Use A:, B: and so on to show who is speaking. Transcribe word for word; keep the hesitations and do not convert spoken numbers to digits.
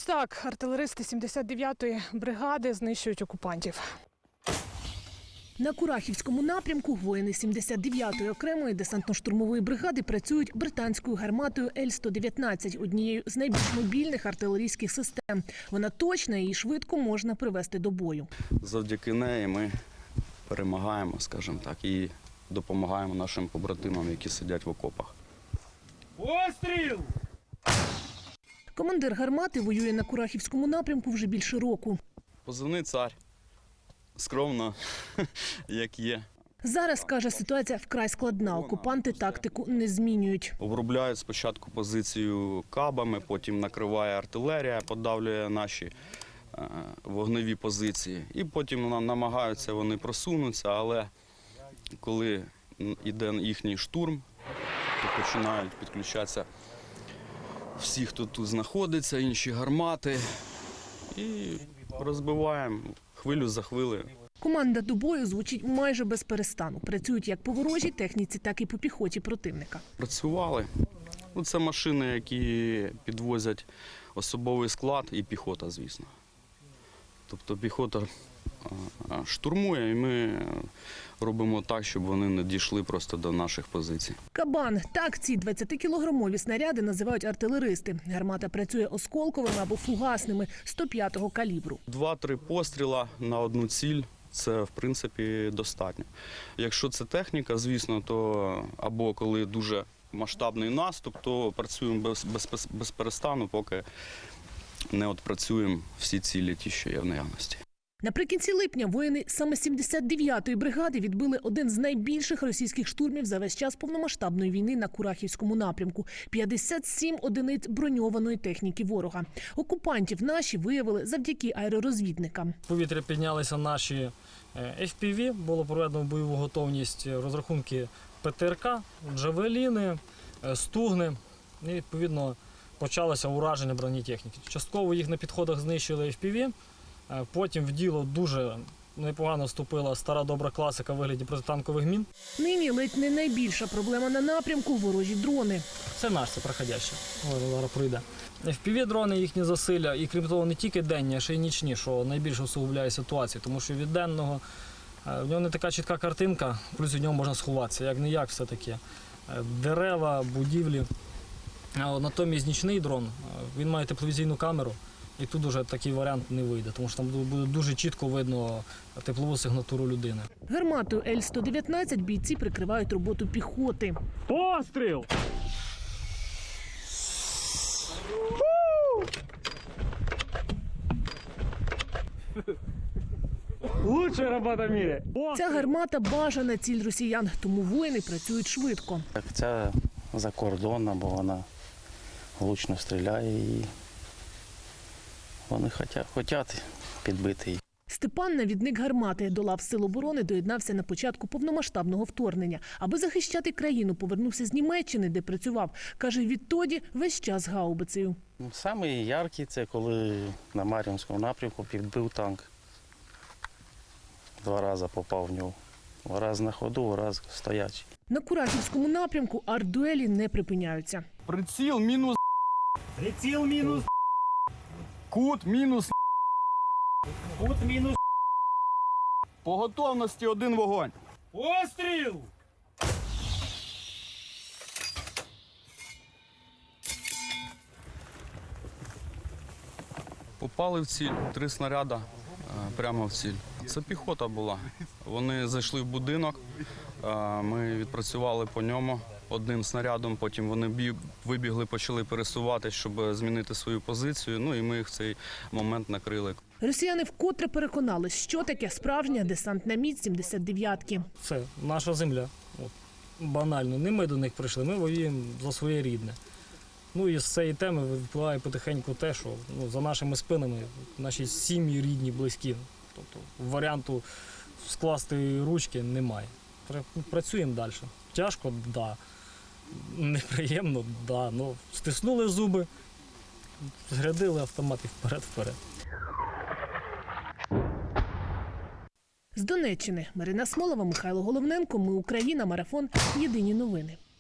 A: Ось так артилеристи сімдесят дев'ятої бригади знищують окупантів.
B: На Курахівському напрямку воїни сімдесят дев'ятої окремої десантно-штурмової бригади працюють британською гарматою Ель сто дев'ятнадцять, однією з найбільш мобільних артилерійських систем. Вона точна і швидко можна привести до бою.
C: Завдяки неї ми перемагаємо, скажімо так, і допомагаємо нашим побратимам, які сидять в окопах.
D: Постріл!
B: Командир гармати воює на Курахівському напрямку вже більше року.
C: Позивний цар. Скромно, як є.
B: Зараз, каже, ситуація вкрай складна. Окупанти тактику не змінюють.
C: Обробляють спочатку позицію кабами, потім накриває артилерія, подавлює наші е, вогневі позиції. І потім намагаються вони просунутися, але коли йде їхній штурм, то починають підключатися всі, хто тут знаходиться, інші гармати. І розбиваємо хвилю за хвилею.
B: Команда до бою звучить майже без перестану. Працюють як по ворожій техніці, так і по піхоті противника.
C: Працювали. Ну, це машини, які підвозять особовий склад і піхота, звісно. Тобто піхота штурмує, і ми робимо так, щоб вони не дійшли просто до наших позицій.
B: Кабан. Так ці двадцятикілограмові снаряди називають артилеристи. Гармата працює осколковими або фугасними сто п'ятого калібру.
C: Два-три постріла на одну ціль – це, в принципі, достатньо. Якщо це техніка, звісно, то або коли дуже масштабний наступ, то працюємо без, без, без перестану, поки не відпрацюємо всі цілі, ті, що є в наявності.
B: Наприкінці липня воїни саме сімдесят дев'ятої бригади відбили один з найбільших російських штурмів за весь час повномасштабної війни на Курахівському напрямку – п'ятдесят сім одиниць броньованої техніки ворога. Окупантів наші виявили завдяки аеророзвідникам.
D: В повітря піднялися наші еф пі ві, було проведено бойову готовність, розрахунки пе те ер ка, джавеліни, стугни і, відповідно, почалося ураження бронетехніки. Частково їх на підходах знищили еф пі ві. Потім в діло дуже непогано вступила стара добра класика в вигляді протитанкових мін.
B: Нині ледь не найбільша проблема на напрямку – ворожі дрони.
D: Це наш, це проходяще. Зараз пройде. еф пі ві-дрони, їхні засилля, і крім того, не тільки денні, а ще й нічні, що найбільше усугубляє ситуацію. Тому що від денного в нього не така чітка картинка, плюс від нього можна сховатися. Як-не-як все-таки. Дерева, будівлі. А натомість нічний дрон, він має тепловізійну камеру. І тут уже такий варіант не вийде, тому що там буде дуже чітко видно теплову сигнатуру людини.
B: Гарматою Ель сто дев'ятнадцять бійці прикривають роботу піхоти.
D: Постріл! Лучшая робота в мірі!
B: Ця гармата – бажана ціль росіян, тому воїни працюють швидко.
E: Ця закордонна, бо вона влучно стріляє і вони хочуть підбити її.
B: Степан, навідник гармати, до лав Сил оборони доєднався на початку повномасштабного вторгнення. Аби захищати країну, повернувся з Німеччини, де працював. Каже, відтоді весь час гаубицею.
E: Саме яркий – це коли на Мар'їнському напрямку підбив танк. Два рази попав в нього. Раз на ходу, раз стоячий.
B: На Курахівському напрямку артдуелі не припиняються.
F: Приціл мінус.
D: Приціл мінус.
F: Кут мінус.
D: Кут мінус.
F: По готовності один вогонь.
D: Постріл!
C: Попали в ціль, три снаряди прямо в ціль. Це піхота була. Вони зайшли в будинок, ми відпрацювали по ньому одним снарядом, потім вони вибігли, почали пересуватися, щоб змінити свою позицію, ну і ми їх в цей момент накрили.
B: Росіяни вкотре переконались, що таке справжня десантна міць сімдесят дев'ятки.
D: Це наша земля. От. Банально. Не ми до них прийшли, ми воюємо за своє рідне. Ну і з цієї теми випливає потихеньку те, що ну, за нашими спинами наші сім'ї рідні, близькі. Тобто варіанту скласти ручки немає. Працюємо далі. Тяжко, так. Да. Неприємно, да. Ну, стиснули зуби, зрядили автомат і вперед-вперед.
B: З Донеччини Марина Смолова, Михайло Головненко. Ми Україна. Марафон. Єдині новини.